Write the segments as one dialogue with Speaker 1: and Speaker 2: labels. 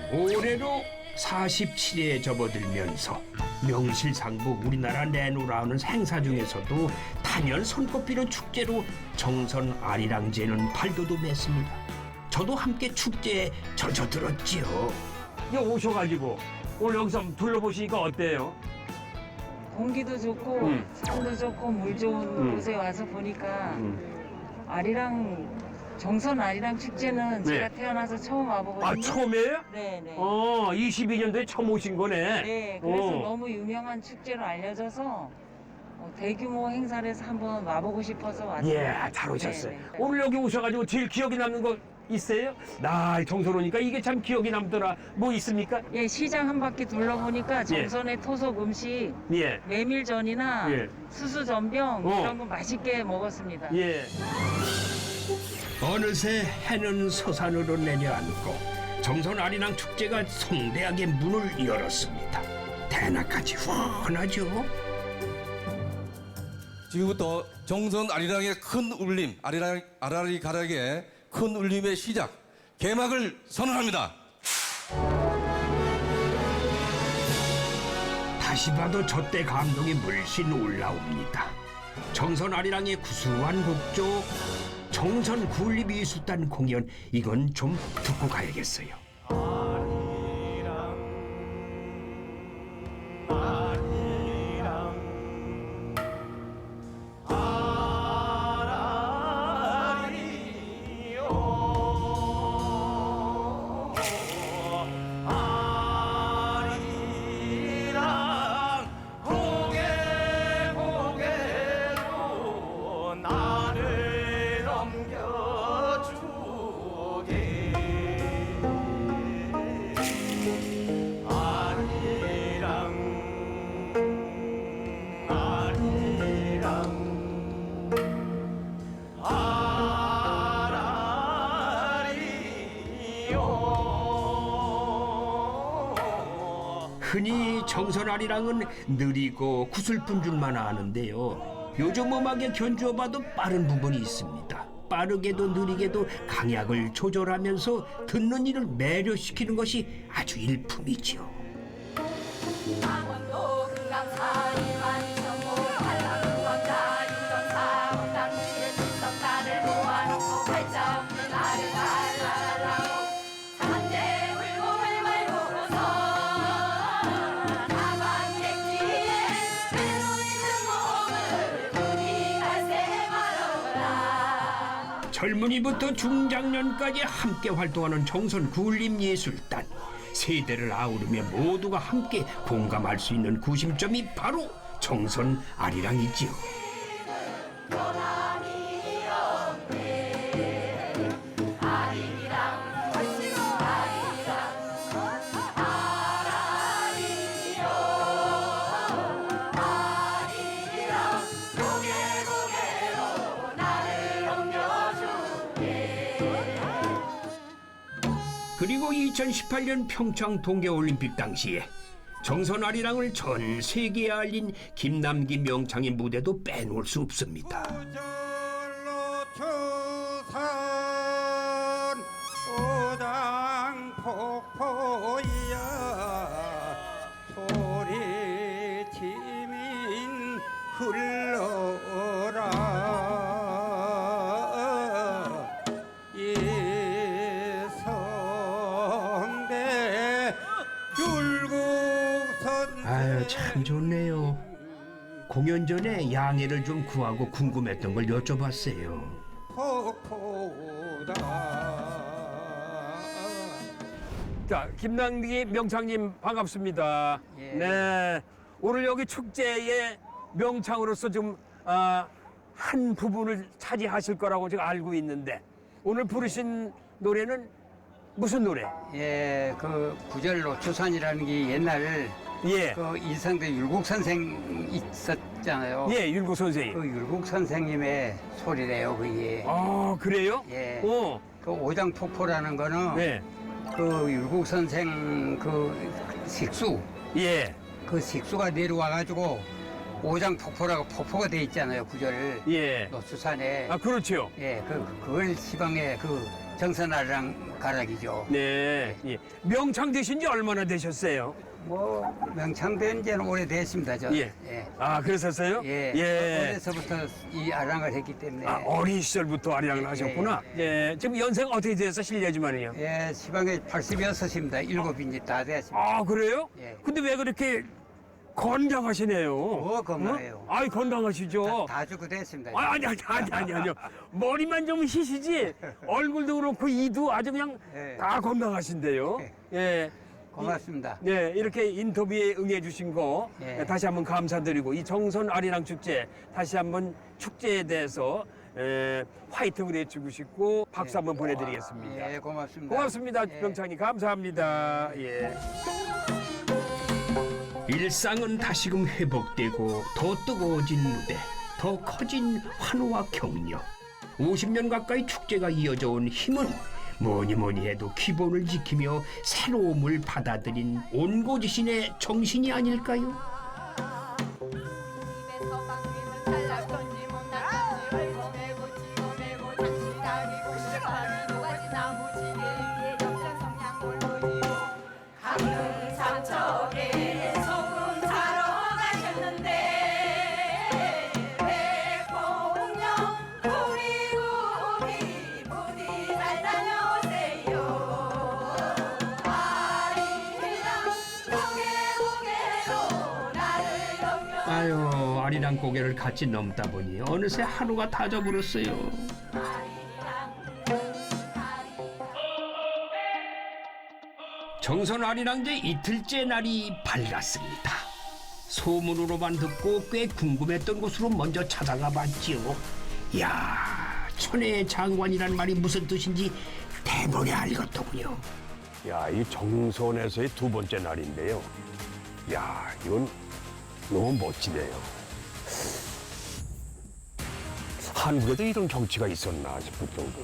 Speaker 1: 올해로 47회에 접어들면서 명실상부 우리나라 내노라는 행사 중에서도 단연 손꼽히는 축제로 정선 아리랑제는 발돋움했습니다. 저도 함께 축제에 젖어들었지요.
Speaker 2: 이거 오셔가지고 오늘 여기서 한번 둘러보시니까 어때요?
Speaker 3: 공기도 좋고 산도 좋고 물 좋은 곳에 와서 보니까 정선 아리랑 축제는
Speaker 2: 네.
Speaker 3: 제가 태어나서 처음 와보거든요.
Speaker 2: 아, 처음이에요?
Speaker 3: 네네.
Speaker 2: 22년도에 처음 오신 거네.
Speaker 3: 네, 그래서 너무 유명한 축제로 알려져서 대규모 행사를 해서 한번 와보고 싶어서 왔어요.
Speaker 2: 예, 잘 오셨어요.
Speaker 3: 네네.
Speaker 2: 오늘 여기 오셔가지고 제일 기억에 남는 거 있어요? 나 정선 오니까 이게 참 기억에 남더라. 뭐 있습니까?
Speaker 3: 예, 시장 한 바퀴 둘러보니까 정선의 토속 음식
Speaker 2: 예,
Speaker 3: 메밀전이나
Speaker 2: 예.
Speaker 3: 수수전병 이런 거 맛있게 먹었습니다.
Speaker 2: 예.
Speaker 1: 어느새 해는 서산으로 내려앉고 정선 아리랑 축제가 성대하게 문을 열었습니다. 대낮까지 훤하죠.
Speaker 4: 지금부터 정선 아리랑의 큰 울림, 아라리 가락의 큰 울림의 시작, 개막을 선언합니다.
Speaker 1: 다시 봐도 저때 감동이 물씬 올라옵니다. 정선 아리랑의 구수한 곡조, 정선 굴립미술단 공연, 이건 좀 듣고 가야겠어요. 흔히 정선 아리랑은 느리고 구슬픈 줄만 아는데요. 요즘 음악에 견주어봐도 빠른 부분이 있습니다. 빠르게도 느리게도 강약을 조절하면서 듣는 이를 매료시키는 것이 아주 일품이지요.
Speaker 5: 강원도 금강산 만이천고 한라산광자 인정사 홍당리에 칠성단을 모아놓고 발자 없는 나를 날라라라고 산재 울곡을 말고서 나방객지에 외로 있는 몸을 군이 갈새 말어라.
Speaker 1: 젊은이부터 중장년까지 함께 활동하는 정선 굴림예술단. 세대를 아우르며 모두가 함께 공감할 수 있는 구심점이 바로 정선 아리랑이지요. 그리고 2018년 평창 동계올림픽 당시에 정선 아리랑을 전 세계에 알린 김남기 명창의 무대도 빼놓을 수 없습니다.
Speaker 6: 구절로 추산 오장폭포야 소리치민 흘러라 예성대 율곡선
Speaker 1: 아유, 참 좋네요. 공연 전에 양해를 좀 구하고 궁금했던 걸 여쭤봤어요.
Speaker 6: 폭포다
Speaker 2: 자, 김남기 명창님 반갑습니다.
Speaker 3: 예.
Speaker 2: 네, 오늘 여기 축제의 명창으로서 좀 한 부분을 차지하실 거라고 제가 알고 있는데 오늘 부르신 노래는 무슨 노래?
Speaker 7: 예, 그 구절로 추산이라는 게 옛날
Speaker 2: 예,
Speaker 7: 그 인상대 율곡 선생 있었잖아요.
Speaker 2: 예, 율곡 선생님.
Speaker 7: 그 율곡 선생님의 소리래요, 그게.
Speaker 2: 아, 그래요?
Speaker 7: 예.
Speaker 2: 어,
Speaker 7: 그 오장폭포라는 거는
Speaker 2: 네,
Speaker 7: 그 율곡 선생 그 식수,
Speaker 2: 예,
Speaker 7: 그 식수가 내려와가지고 오장폭포라고 폭포가 돼 있잖아요, 구절
Speaker 2: 예.
Speaker 7: 노수산에.
Speaker 2: 아, 그렇죠.
Speaker 7: 예, 그걸 시방에 그 정선아리랑 가락이죠.
Speaker 2: 네. 예. 명창 되신 지 얼마나 되셨어요?
Speaker 7: 뭐 명창된 지는 오래됐습니다. 저.
Speaker 2: 예. 아, 그러셨어요?
Speaker 7: 예. 어려서부터 이 아랑을 했기 때문에.
Speaker 2: 아, 어린 시절부터 아리랑을 하셨구나. 예. 지금 연세가 어떻게 돼서 실례지만요.
Speaker 7: 예, 시방에 86입니다. 7인지 다 됐습니다.
Speaker 2: 아, 그래요?
Speaker 7: 예.
Speaker 2: 근데 왜 그렇게 건강하시네요?
Speaker 7: 뭐 건강해요.
Speaker 2: 아이, 건강하시죠?
Speaker 7: 다 죽고 됐습니다.
Speaker 2: 아니요. 머리만 좀 희시지 얼굴도 그렇고 이도 아주 그냥
Speaker 7: 예.
Speaker 2: 다 건강하신데요. 예.
Speaker 7: 고맙습니다.
Speaker 2: 네, 이렇게 인터뷰에 응해주신 거
Speaker 7: 예.
Speaker 2: 다시 한번 감사드리고 이 정선 아리랑 축제 다시 한번 축제에 대해서 화이팅을 해주고 싶고 박수 한번 보내드리겠습니다.
Speaker 7: 예, 고맙습니다.
Speaker 2: 고맙습니다,
Speaker 7: 예.
Speaker 2: 명창님. 감사합니다. 예.
Speaker 1: 일상은 다시금 회복되고 더 뜨거워진 무대, 더 커진 환호와 격려. 50년 가까이 축제가 이어져 온 힘은 뭐니 해도 기본을 지키며 새로움을 받아들인 온고지신의 정신이 아닐까요?
Speaker 5: 입에서 방귀를 살락 던지 못났던지 헐거매고 찍어매고 장치 다리고 시발이 녹아진 나무지게 위에 역전 성냥 골고리고 강릉 삼척에 소금 사러 가셨는데 백봉령 구리구리 부디 잘 다녀오세요 아리랑 고개고개로 나를 넘겨
Speaker 1: 아유, 아리랑 고개를 같이 넘다 보니 어느새 하루가 다 져버렸어요. 정선 아리랑제 이틀째 날이 밝았습니다. 소문으로만 듣고 꽤 궁금했던 곳으로 먼저 찾아가 봤지요. 이야, 천혜의 장관이란 말이 무슨 뜻인지 대번에 알겠더군요.
Speaker 2: 야, 이 정선에서의 두 번째 날인데요. 야, 이건 너무 멋지네요. 한국에도 이런 정치가 있었나 싶을 정도.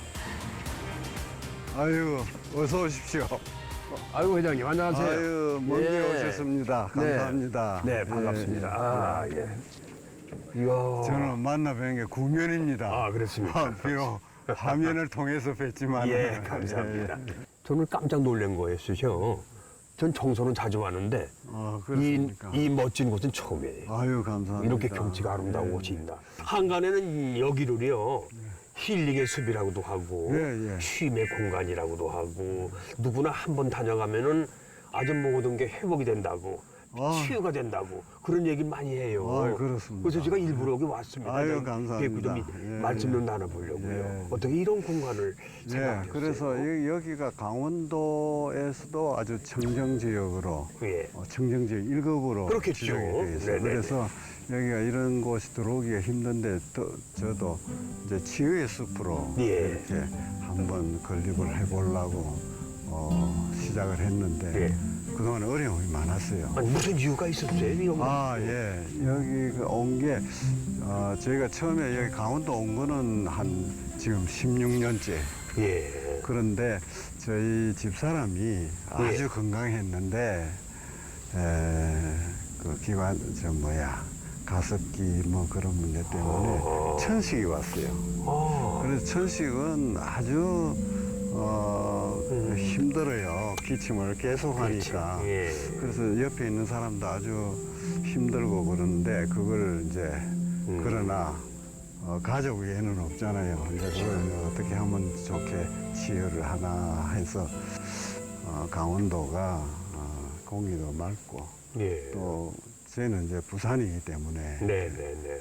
Speaker 6: 아유, 어서 오십시오.
Speaker 2: 아이고, 회장님, 안녕하세요.
Speaker 6: 아유, 먼 길
Speaker 2: 예.
Speaker 6: 오셨습니다. 감사합니다.
Speaker 2: 네, 반갑습니다. 아, 예. 이야.
Speaker 6: 저는 만나 뵌 게 구면입니다.
Speaker 2: 아, 그렇습니까?
Speaker 6: 비록 화면을 통해서 뵀지만.
Speaker 2: 예, 감사합니다. 저는 깜짝 놀란 거였어요. 전 정선은 자주 왔는데
Speaker 6: 그렇습니까?
Speaker 2: 이 멋진 곳은 처음이에요.
Speaker 6: 아유, 감사합니다.
Speaker 2: 이렇게 경치가 아름다운 곳이 있나. 한간에는 여기를요 힐링의 숲이라고도 하고
Speaker 6: 예, 예.
Speaker 2: 쉼의 공간이라고도 하고 누구나 한번 다녀가면은 아주 모든 게 회복이 된다고 치유가 된다고 그런 얘기 많이 해요.
Speaker 6: 그렇습니다.
Speaker 2: 그래서 제가 일부러 여기 왔습니다.
Speaker 6: 아유, 감사합니다.
Speaker 2: 좀
Speaker 6: 예,
Speaker 2: 말씀 좀
Speaker 6: 예.
Speaker 2: 나눠보려고요.
Speaker 6: 예.
Speaker 2: 어떻게 이런 공간을
Speaker 6: 예,
Speaker 2: 생각하셨어요?
Speaker 6: 그래서 여기가 강원도에서도 아주 청정지역으로
Speaker 2: 예.
Speaker 6: 청정지역 1급으로
Speaker 2: 그렇겠죠.
Speaker 6: 지정이 되어 있어요.
Speaker 2: 네네네.
Speaker 6: 그래서 여기가 이런 곳이 들어오기가 힘든데 저도 이제 치유의 숲으로
Speaker 2: 예.
Speaker 6: 이렇게 한번 건립을 해보려고 시작을 했는데
Speaker 2: 예.
Speaker 6: 그동안 어려움이 많았어요.
Speaker 2: 아니, 무슨 이유가 있었어요? 이런 거?
Speaker 6: 아, 예. 여기 온 게, 저희가 처음에 여기 강원도 온 거는 한 지금 16년째.
Speaker 2: 예.
Speaker 6: 그런데 저희 집사람이 아주 건강했는데, 그 가습기 뭐 그런 문제 때문에 천식이 왔어요. 그래서 천식은 아주 힘들어요. 기침을 계속 하니까.
Speaker 2: 예.
Speaker 6: 그래서 옆에 있는 사람도 아주 힘들고 그러는데 그걸 이제 그러나 가족 외에는 없잖아요. 이제 그걸 어떻게 하면 좋게 치유를 하나 해서 강원도가 공기도 맑고
Speaker 2: 예.
Speaker 6: 또 저희는 이제 부산이기 때문에
Speaker 2: 네네네.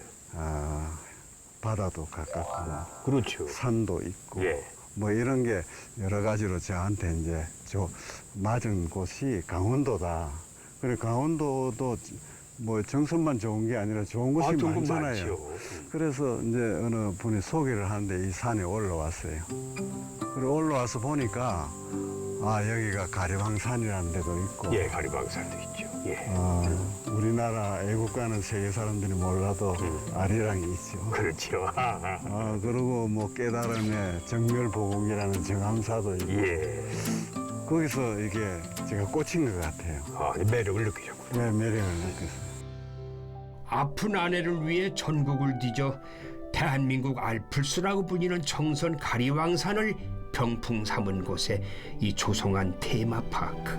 Speaker 6: 바다도 가깝고
Speaker 2: 그렇죠.
Speaker 6: 산도 있고
Speaker 2: 예.
Speaker 6: 뭐 이런 게 여러 가지로 저한테 이제 맞은 곳이 강원도다. 그리고 강원도도 뭐 정선만 좋은 게 아니라 좋은 곳이
Speaker 2: 좋은 건
Speaker 6: 많잖아요.
Speaker 2: 많죠.
Speaker 6: 그래서 이제 어느 분이 소개를 하는데 이 산에 올라왔어요. 그리고 올라와서 보니까 여기가 가리방산이라는 데도 있고
Speaker 2: 예, 가리방산도 있죠. 예.
Speaker 6: 우리나라 애국가는 세계 사람들이 몰라도 아리랑이 있죠.
Speaker 2: 그렇죠.
Speaker 6: 그리고 뭐 깨달음의 정멸보공이라는 정암사도 있고
Speaker 2: 예.
Speaker 6: 거기서 이게 제가 꽂힌 것 같아요.
Speaker 2: 매력을 느끼셨군요.
Speaker 6: 네, 매력을 느꼈어요.
Speaker 1: 아픈 아내를 위해 전국을 뒤져 대한민국 알프스라고 불리는 정선 가리왕산을 병풍 삼은 곳에 이 조성한 테마파크.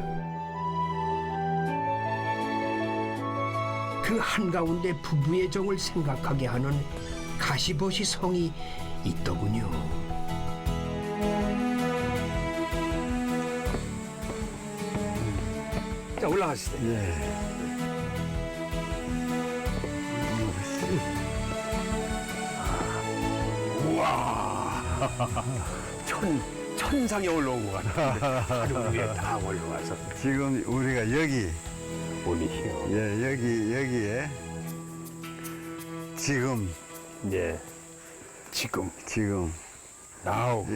Speaker 1: 그 한가운데 부부의 정을 생각하게 하는 가시버시 성이 있더군요.
Speaker 2: 자, 올라가시죠.
Speaker 6: 예.
Speaker 2: 천상에 올라온 것 같은데 하루 위에 다 올라와서
Speaker 6: 지금 우리가 여기,
Speaker 2: 오니요.
Speaker 6: 예, 여기에 지금,
Speaker 2: 예. 지금
Speaker 6: 나우,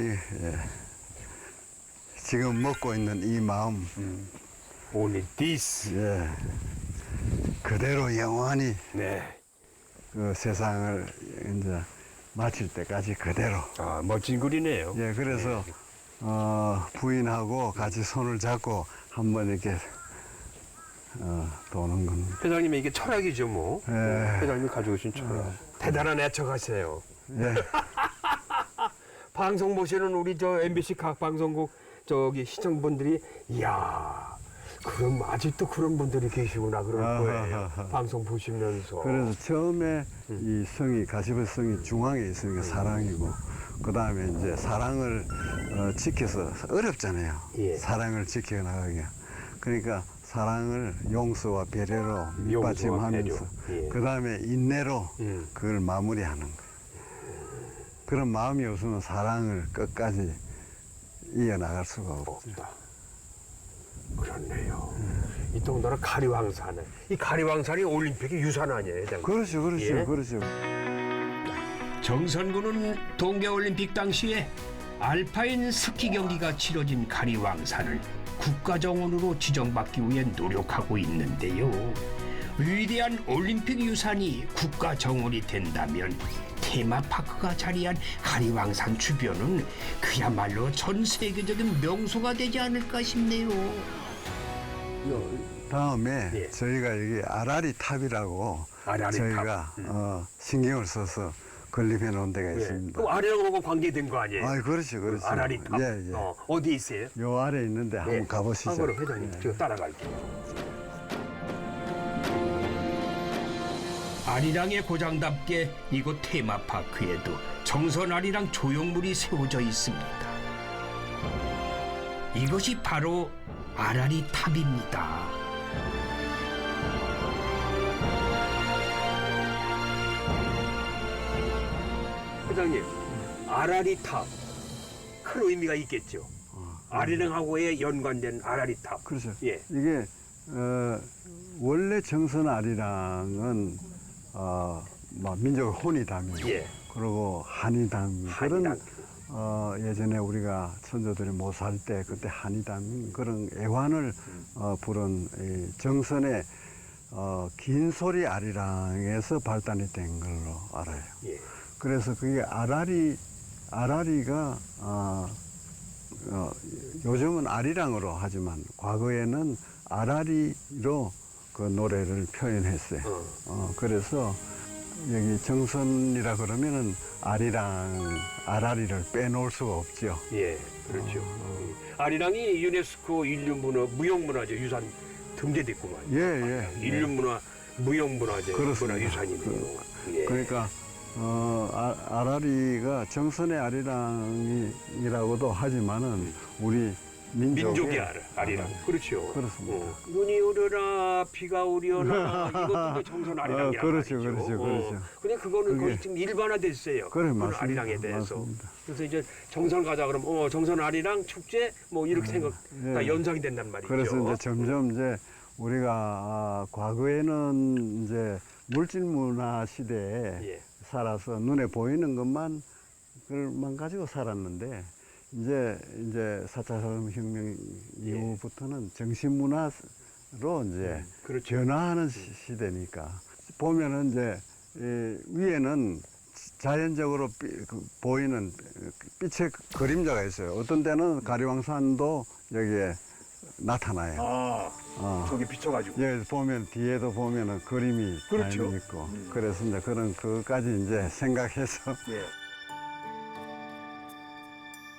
Speaker 6: 지금 먹고 있는 이 마음,
Speaker 2: only this.
Speaker 6: 예, 그대로 영원히
Speaker 2: 네.
Speaker 6: 그 세상을 이제 마칠 때까지 그대로.
Speaker 2: 아, 멋진 글이네요.
Speaker 6: 예, 그래서 부인하고 같이 손을 잡고 한번 이렇게 도는 겁니다.
Speaker 2: 회장님의 이게 철학이죠, 뭐.
Speaker 6: 예.
Speaker 2: 회장님이 가져오신 철학. 대단한 애청하세요.
Speaker 6: 예.
Speaker 2: 방송 보시는 우리 저 MBC 각 방송국 저기 시청분들이 이야, 그럼 아직도 그런 분들이 계시구나 그럴 거예요.
Speaker 6: 아하하하.
Speaker 2: 방송 보시면서.
Speaker 6: 그래서 처음에 이 성이 가시버스 성이 중앙에 있으니까 사랑이고 그 다음에 이제 사랑을 지켜서 어렵잖아요.
Speaker 2: 예.
Speaker 6: 사랑을 지켜나가기. 그러니까 사랑을 용서와 배려로
Speaker 2: 용서와
Speaker 6: 밑받침하면서
Speaker 2: 배려. 예.
Speaker 6: 그 다음에 인내로
Speaker 2: 음.
Speaker 6: 그걸 마무리하는 거예요. 그런 마음이 없으면 사랑을 끝까지 이어나갈 수가 없죠.
Speaker 2: 없다. 그렇네요. 이 동네는 가리왕산에 이 가리왕산이 올림픽의 유산 아니에요, 회장님?
Speaker 6: 그렇죠, 그렇죠,
Speaker 2: 예?
Speaker 6: 그렇죠.
Speaker 1: 정선군은 동계올림픽 당시에 알파인 스키 경기가 치러진 가리왕산을 국가정원으로 지정받기 위해 노력하고 있는데요. 위대한 올림픽 유산이 국가정원이 된다면 테마파크가 자리한 가리왕산 주변은 그야말로 전 세계적인 명소가 되지 않을까 싶네요.
Speaker 6: 다음에
Speaker 2: 예.
Speaker 6: 저희가 여기 아라리 탑이라고
Speaker 2: 아라리
Speaker 6: 저희가 신경을 써서 건립해 놓은 데가 있습니다.
Speaker 2: 그럼 아래하고 관계된 거 아니에요?
Speaker 6: 아, 그렇죠, 그렇죠.
Speaker 2: 아라리 탑.
Speaker 6: 예, 예.
Speaker 2: 어디 있어요?
Speaker 6: 요 아래 있는데 한번 가보시죠.
Speaker 2: 그럼 회장님,
Speaker 6: 예.
Speaker 2: 제가 따라갈게요.
Speaker 1: 아리랑의 고장답게 이곳 테마파크에도 정선 아리랑 조형물이 세워져 있습니다. 이것이 바로 아라리 탑입니다.
Speaker 2: 회장님, 아라리 탑. 큰 의미가 있겠죠. 아리랑하고의 연관된 아라리 탑.
Speaker 6: 그렇죠.
Speaker 2: 예.
Speaker 6: 이게 원래 정선 아리랑은 막 민족 혼이담이
Speaker 2: 예.
Speaker 6: 그리고 한이담 그런
Speaker 2: 한이담.
Speaker 6: 예전에 우리가 선조들이 못 살 때 그때 한이담 그런 애환을 부른 이 정선의 긴 소리 아리랑에서 발단이 된 걸로 알아요.
Speaker 2: 예.
Speaker 6: 그래서 그게 아라리가 요즘은 아리랑으로 하지만 과거에는 아라리로 그 노래를 표현했어요. 그래서 여기 정선이라 그러면은 아라리를 빼놓을 수가 없죠.
Speaker 2: 예, 그렇죠. 아리랑이 유네스코 인류문화, 무형문화재 유산 등재됐구만.
Speaker 6: 예, 예.
Speaker 2: 인류문화, 무형문화재
Speaker 6: 그렇습니다.
Speaker 2: 문화유산이네요. 예.
Speaker 6: 그러니까 아라리가 정선의 아리랑이라고도 하지만은 우리
Speaker 2: 민족의 아리랑. 그렇죠.
Speaker 6: 그렇습니다.
Speaker 2: 눈이 오려나 비가 오려나 이것도 정선 아리랑이란
Speaker 6: 그렇죠,
Speaker 2: 말이죠.
Speaker 6: 그렇죠, 그렇죠.
Speaker 2: 근데 그거는
Speaker 6: 그게-
Speaker 2: 거의 지금 일반화됐어요.
Speaker 6: 그래,
Speaker 2: 그런
Speaker 6: 맞습니다.
Speaker 2: 아리랑에 대해서.
Speaker 6: 맞습니다.
Speaker 2: 그래서 이제 정선 가자 그러면 정선 아리랑 축제 뭐 이렇게 생각 다
Speaker 6: 예.
Speaker 2: 연상이 된단 말이죠.
Speaker 6: 그래서 이제 점점 이제 우리가 과거에는 이제 물질 문화 시대에
Speaker 2: 예.
Speaker 6: 살아서 눈에 보이는 것만 그걸만 가지고 살았는데 이제 4차 산업혁명 이후부터는 정신문화로 이제
Speaker 2: 그렇죠.
Speaker 6: 변화하는 시대니까 보면은 이제 위에는 자연적으로 보이는 빛의 그림자가 있어요. 어떤 때는 가리왕산도 여기에 나타나요.
Speaker 2: 저기 비춰가지고.
Speaker 6: 여기 보면 뒤에도 보면은 그림이
Speaker 2: 그렇죠.
Speaker 6: 많이 있고 그래서 이제 그런 그것까지 이제 생각해서
Speaker 2: 예.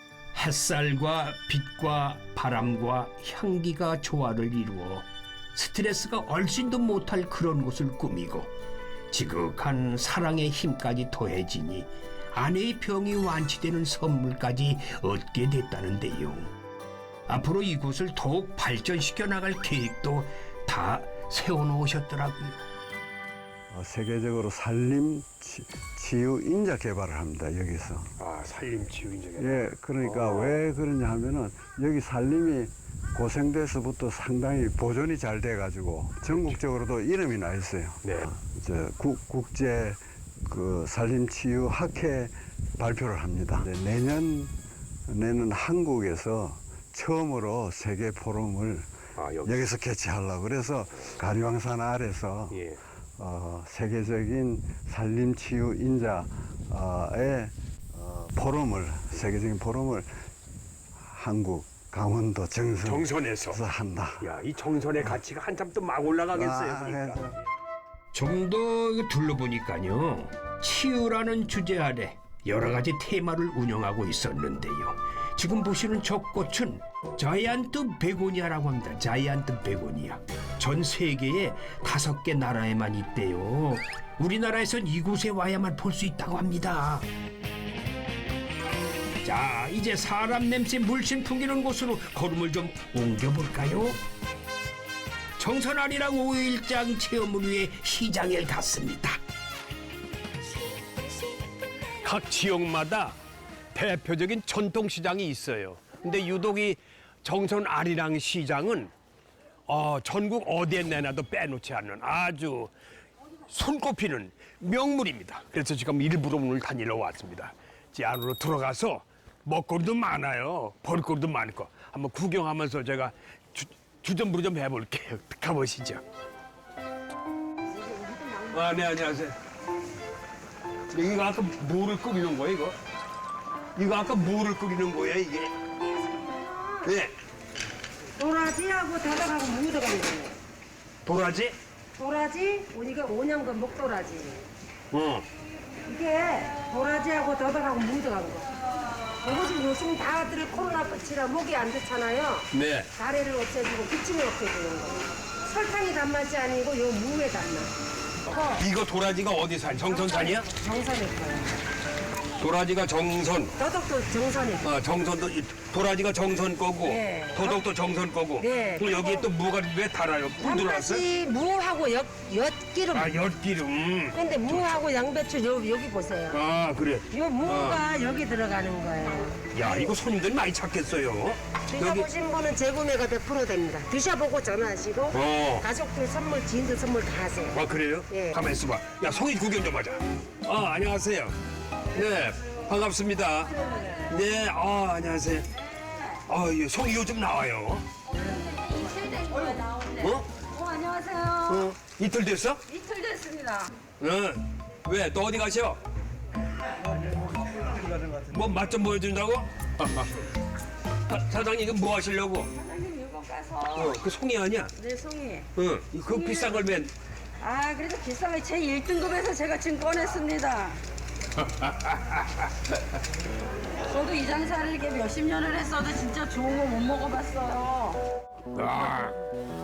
Speaker 1: 햇살과 빛과 바람과 향기가 조화를 이루어 스트레스가 얼씬도 못할 그런 곳을 꾸미고 지극한 사랑의 힘까지 더해지니 아내의 병이 완치되는 선물까지 얻게 됐다는데요. 앞으로 이곳을 더욱 발전시켜 나갈 계획도 다 세워놓으셨더라고요.
Speaker 6: 세계적으로 산림 치유 인자 개발을 합니다. 여기서.
Speaker 2: 아, 산림치유 인증.
Speaker 6: 예, 그러니까 왜 그러냐 하면은 여기 산림이 고생돼서부터 상당히 보존이 잘 돼가지고 전국적으로도 이름이 나 있어요.
Speaker 2: 네.
Speaker 6: 국제 그 산림치유 학회 발표를 합니다. 내년에는 한국에서 처음으로 세계 포럼을 여기서 개최하려고 그래서 가리왕산 아래서
Speaker 2: 예.
Speaker 6: 세계적인 산림치유 인자의 포럼을 세계적인 포럼을 한국 강원도 정선에서 한다.
Speaker 2: 야, 이 정선의 가치가 한참 또 막 올라가겠어요. 그러니까.
Speaker 1: 좀 더 둘러보니까요. 치유라는 주제 아래 여러 가지 테마를 운영하고 있었는데요. 지금 보시는 저 꽃은 자이언트 베고니아라고 합니다. 자이언트 베고니아. 전 세계에 5개 나라에만 있대요. 우리나라에선 이곳에 와야만 볼 수 있다고 합니다. 자, 이제 사람 냄새 물씬 풍기는 곳으로 걸음을 좀 옮겨볼까요? 정선아리랑 5일장 체험을 위해 시장에 갔습니다.
Speaker 2: 각 지역마다 대표적인 전통시장이 있어요. 근데 유독 이 정선 아리랑 시장은 전국 어디에 내놔도 빼놓지 않는 아주 손꼽히는 명물입니다. 그래서 지금 일부러 오늘 다니러 왔습니다. 이 안으로 들어가서 먹거리도 많아요. 볼거리도 많고 한번 구경하면서 제가 주전부리 좀 해볼게요. 가보시죠. 네, 안녕하세요. 이거 아까 뭐를 끓이는 거예요, 이거? 이거 아까 뭐를 끓이는 거예요, 이게? 네.
Speaker 8: 도라지하고 다닥하고 무 들어간 거예요.
Speaker 2: 도라지?
Speaker 8: 도라지, 우리가 5년간 목도라지. 이게 도라지하고 다닥하고 무 들어간 거. 이것은 요즘 다들 코로나 끝이라 목이 안 좋잖아요.
Speaker 2: 네.
Speaker 8: 가래를 없애주고 기침을 없애주는 거. 설탕이 단맛이 아니고 요 무에 단맛.
Speaker 2: 이거 도라지가 어디 산? 정선산이야?
Speaker 8: 정선일 거예요.
Speaker 2: 도라지가 정선.
Speaker 8: 더덕도 정선일 거예요.
Speaker 2: 정선도 도라지가 정선 거고,
Speaker 8: 네.
Speaker 2: 도덕도 정선 거고.
Speaker 8: 네.
Speaker 2: 그럼 여기에 또 무가 왜 달아요? 꿀 들어왔어요?
Speaker 8: 단맛이 무하고 엿기름.
Speaker 2: 아, 엿기름.
Speaker 8: 근데 무하고 양배추 여기 보세요.
Speaker 2: 아, 그래.
Speaker 8: 요 무가 여기 들어가는 거예요.
Speaker 2: 야, 이거 손님들이 많이 찾겠어요.
Speaker 8: 드셔보신 분은 재구매가 100% 됩니다. 드셔보고 전화하시고 가족들 선물, 지인들 선물 다 하세요.
Speaker 2: 아, 그래요?
Speaker 8: 예.
Speaker 2: 가만 있어봐. 야, 송이 구경 좀 하자. 안녕하세요. 네, 반갑습니다. 네, 안녕하세요. 예, 송이 요즘 나와요.
Speaker 5: 안녕하세요.
Speaker 2: 이틀 됐어?
Speaker 5: 이틀 됐습니다.
Speaker 2: 응. 왜? 또 어디 가셔? 뭐 맛 좀 보여준다고? 사장님 이거 뭐 하시려고?
Speaker 5: 사장님 이거 가서
Speaker 2: 그 송이 아니야?
Speaker 5: 내 송이.
Speaker 2: 응. 그 비싼 걸 맨.
Speaker 5: 그래도 비싼 거 제 1등급에서 제가 지금 꺼냈습니다. 저도 이 장사를 이렇게 몇십 년을 했어도 진짜 좋은 거 못 먹어봤어요.
Speaker 2: 아,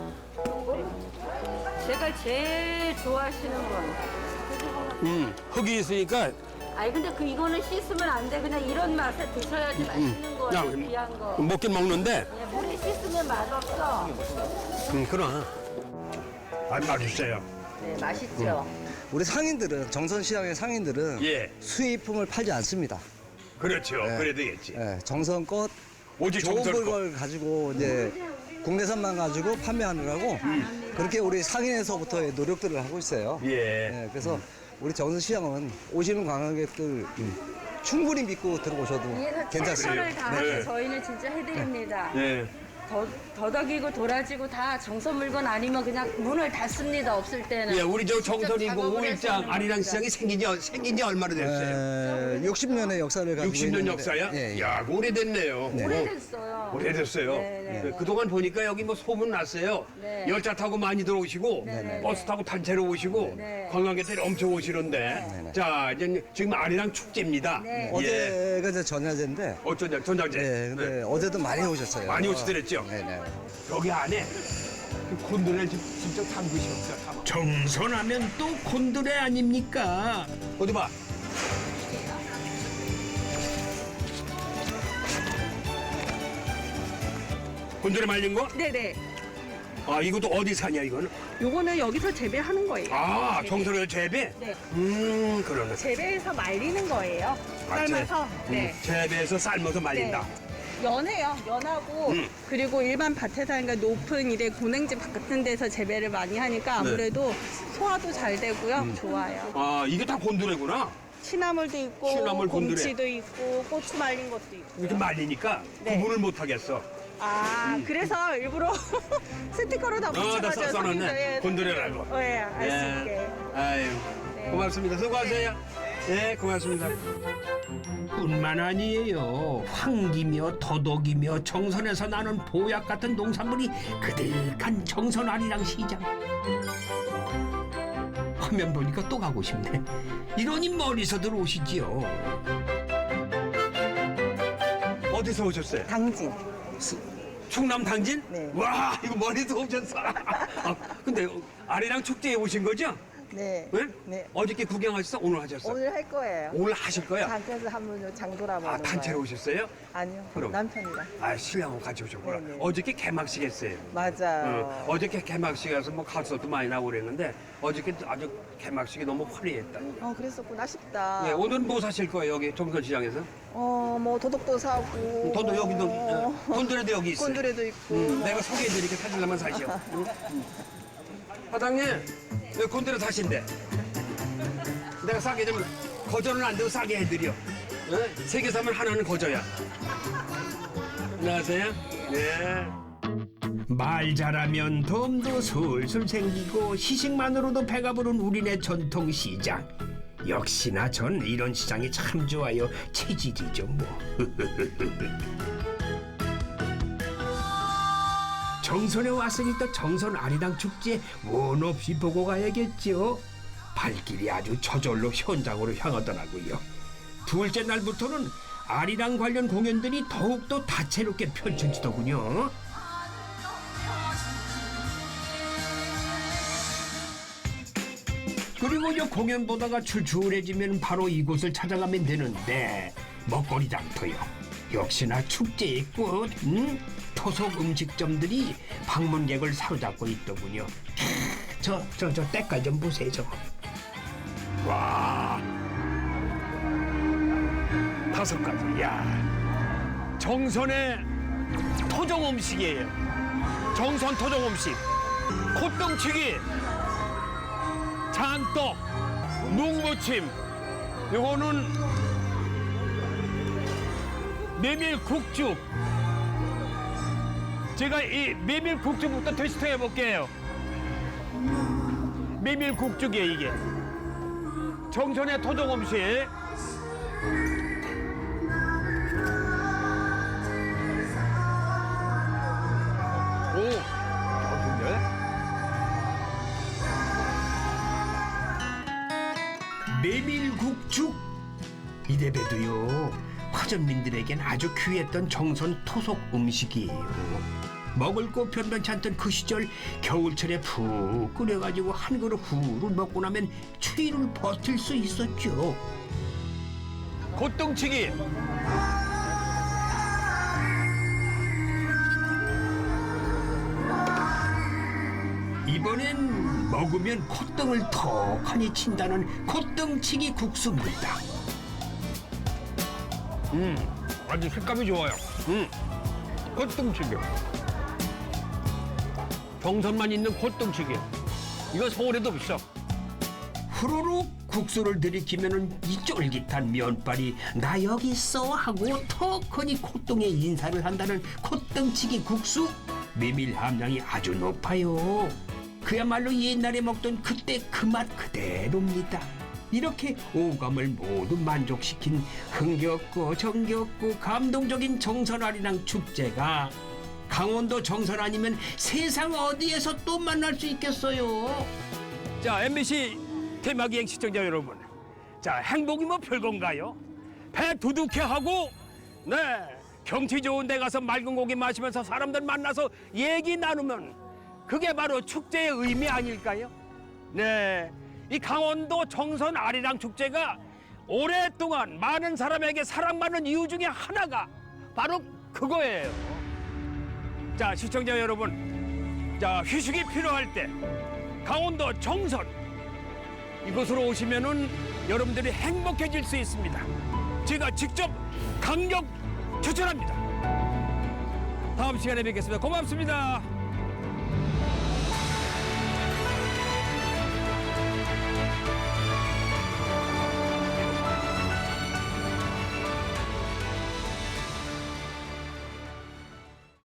Speaker 5: 제가 제일 좋아하시는 건.
Speaker 2: 흙이 있으니까
Speaker 5: 아니 근데 이거는 씻으면 안 돼. 그냥 이런 맛에 드셔야지 맛있는 거예요. 귀한 거.
Speaker 2: 먹긴 먹는데.
Speaker 5: 그냥 물에 씻으면 맛없어.
Speaker 2: 그럼. 맛있어요.
Speaker 5: 네, 맛있죠.
Speaker 9: 우리 상인들은 정선시장의 상인들은
Speaker 2: 예.
Speaker 9: 수입품을 팔지 않습니다.
Speaker 2: 그렇죠.
Speaker 9: 네.
Speaker 2: 그래야 되겠지.
Speaker 9: 예, 정성껏
Speaker 2: 오직
Speaker 9: 좋은
Speaker 2: 정선 거.
Speaker 9: 걸 가지고 이제 국내산만 가지고 판매하느라고 그렇게 우리 상인에서부터의 노력들을 하고 있어요.
Speaker 2: 예.
Speaker 9: 예, 그래서 우리 정선시장은 오시는 관광객들 충분히 믿고 들어오셔도 괜찮습니다.
Speaker 5: 최선을 다해서
Speaker 2: 네.
Speaker 5: 저희는 진짜 해드립니다.
Speaker 2: 네.
Speaker 5: 더덕이고 도라지고 다 정선 물건 아니면 그냥 문을 닫습니다. 없을 때는.
Speaker 2: 예, 우리 저
Speaker 5: 직접
Speaker 2: 정선이고
Speaker 5: 작업을 해서
Speaker 2: 5일장
Speaker 5: 하는
Speaker 2: 아리랑
Speaker 5: 겁니다.
Speaker 2: 시장이 생긴 지 얼마나 됐어요?
Speaker 9: 60년의 역사를 가지고
Speaker 2: 60년
Speaker 9: 있는데,
Speaker 2: 역사야?
Speaker 9: 예, 예.
Speaker 2: 야, 오래됐네요.
Speaker 9: 네.
Speaker 5: 오래됐어요. 오래됐어요.
Speaker 2: 오래됐어요.
Speaker 5: 네, 네.
Speaker 2: 그동안 보니까 여기 뭐 소문 났어요.
Speaker 5: 네.
Speaker 2: 열차 타고 많이 들어오시고
Speaker 5: 네.
Speaker 2: 버스 타고 단체로 오시고
Speaker 5: 네.
Speaker 2: 관광객들이 엄청 오시는데 자 이제 지금 아리랑 축제입니다.
Speaker 5: 네.
Speaker 2: 예.
Speaker 9: 어제가 이제 전야제인데
Speaker 2: 어쩐냐 전장제.
Speaker 9: 네, 근데 어제도 많이 오셨어요.
Speaker 2: 많이 오시더랬죠.
Speaker 9: 네네.
Speaker 2: 여기 안에 그 곤드레를 직접 담그셨어요.
Speaker 1: 정선하면 또 곤드레 아닙니까?
Speaker 2: 어디 봐. 곤드레 말린 거?
Speaker 10: 네네.
Speaker 2: 아 이것도 어디 사냐 이거는?
Speaker 10: 요거는 여기서 재배하는 거예요.
Speaker 2: 아
Speaker 10: 네.
Speaker 2: 정선을 재배?
Speaker 10: 네.
Speaker 2: 그러네.
Speaker 10: 재배해서 말리는 거예요. 삶아서. 네.
Speaker 2: 재배해서 삶아서 말린다.
Speaker 10: 연해요. 연하고 그리고 일반 밭에서 하니까 높은 이래 고냉지 같은 데서 재배를 많이 하니까 아무래도 소화도 잘 되고요. 좋아요.
Speaker 2: 아 이게 다 곤드레구나.
Speaker 10: 취나물도 있고
Speaker 2: 취나물 곤드레.
Speaker 10: 곰치도 있고 고추 말린 것도 있고.
Speaker 2: 이렇게 말리니까
Speaker 10: 네.
Speaker 2: 구분을 못 하겠어.
Speaker 10: 그래서 일부러 스티커로 다
Speaker 2: 다
Speaker 10: 붙여가지고
Speaker 2: 써놨네. 곤드레라고.
Speaker 10: 네, 알 수 있게.
Speaker 2: 아유,
Speaker 10: 네.
Speaker 2: 고맙습니다. 수고하세요. 네, 고맙습니다.
Speaker 1: 뿐만 아니에요. 황기며 더덕이며 정선에서 나는 보약 같은 농산물이 그득한 정선 아리랑 시장. 화면 보니까 또 가고 싶네. 이러니 멀리서들 오시지요.
Speaker 2: 어디서 오셨어요?
Speaker 10: 당진.
Speaker 2: 충남 당진?
Speaker 10: 네.
Speaker 2: 와, 이거 멀리서 오셨어. 근데 아리랑 축제에 오신 거죠?
Speaker 10: 네.
Speaker 2: 네?
Speaker 10: 네.
Speaker 2: 어저께 구경하셨어? 오늘 하셨어?
Speaker 10: 오늘 할 거예요.
Speaker 2: 오늘 하실 거야?
Speaker 10: 단체에서 한번 장돌아보는
Speaker 2: 아, 단체로 오셨어요?
Speaker 10: 아니요.
Speaker 2: 그럼.
Speaker 10: 남편이랑.
Speaker 2: 아, 신랑하고 같이 오셨구나.
Speaker 10: 네네.
Speaker 2: 어저께 개막식 했어요.
Speaker 10: 맞아요.
Speaker 2: 어저께 개막식 가서 뭐 가수도 많이 나오고 그랬는데 어저께 아주 개막식이 너무 화려했다.
Speaker 10: 그랬었구나 싶다.
Speaker 2: 예, 오늘은 뭐 사실 거예요, 여기 정선시장에서?
Speaker 10: 뭐 도덕도 사고.
Speaker 2: 돈도 여기도, 곤드레도 여기 있어요.
Speaker 10: 곤드레도 있고.
Speaker 2: 내가 소개해드리니까 사실라만 사시오. 사장님, 여기 곤드레 사신대. 내가 싸게 좀, 거저는 안 되고 싸게 해드려. 세 개 사면 하나는 거저야. 안녕하세요. 네.
Speaker 1: 말 잘하면 덤도 술술 생기고 시식만으로도 배가 부른 우리네 전통 시장. 역시나 전 이런 시장이 참 좋아요. 체질이죠 뭐. 정선에 왔으니 또 정선 아리랑 축제 원 없이 보고 가야겠죠. 발길이 아주 저절로 현장으로 향하더라고요. 둘째 날부터는 아리랑 관련 공연들이 더욱더 다채롭게 펼쳐지더군요. 그리고 이 공연 보다가 출출해지면 바로 이곳을 찾아가면 되는데 먹거리 장터요. 역시나 축제의 꽃, 토속 음식점들이 방문객을 사로잡고 있더군요. 저 때깔 좀 보세요. 저거.
Speaker 2: 와. 5가지. 야. 정선의 토종 음식이에요. 정선 토종 음식. 콧등치기, 장떡, 묵무침. 요거는 메밀국죽. 제가 이 메밀국죽부터 테스트 해볼게요. 메밀국죽이에요, 이게. 정선의 토종 음식. 오, 좋은데?
Speaker 1: 메밀국죽. 이래봬도요 화전민들에겐 아주 귀했던 정선 토속 음식이에요. 먹을 거 변변치 않던 그 시절 겨울철에 푹 끓여가지고 한 그릇 후루 먹고 나면 추위를 버틸 수 있었죠.
Speaker 2: 콧등치기.
Speaker 1: 이번엔 먹으면 콧등을 턱하니 친다는 콧등치기 국수입니다.
Speaker 2: 아주 색감이 좋아요. 콧등치기. 정선만 있는 콧등치기. 이거 서울에도 없어.
Speaker 1: 후루룩 국수를 들이키면은 이 쫄깃한 면발이 나 여기 있어 하고 턱하니 콧등에 인사를 한다는 콧등치기 국수. 메밀 함량이 아주 높아요. 그야말로 옛날에 먹던 그때 그 맛 그대로입니다. 이렇게 오감을 모두 만족시킨 흥겹고 정겹고 감동적인 정선 아리랑 축제가 강원도 정선 아니면 세상 어디에서 또 만날 수 있겠어요.
Speaker 2: 자, MBC 테마기행 시청자 여러분, 자, 행복이 뭐 별건가요? 배 두둑해 하고, 네, 경치 좋은 데 가서 맑은 고기 마시면서 사람들 만나서 얘기 나누면 그게 바로 축제의 의미 아닐까요? 네, 이 강원도 정선 아리랑 축제가 오랫동안 많은 사람에게 사랑받는 이유 중에 하나가 바로 그거예요. 자, 시청자 여러분, 자, 휴식이 필요할 때 강원도 정선 이곳으로 오시면은 여러분들이 행복해질 수 있습니다. 제가 직접 강력 추천합니다. 다음 시간에 뵙겠습니다. 고맙습니다.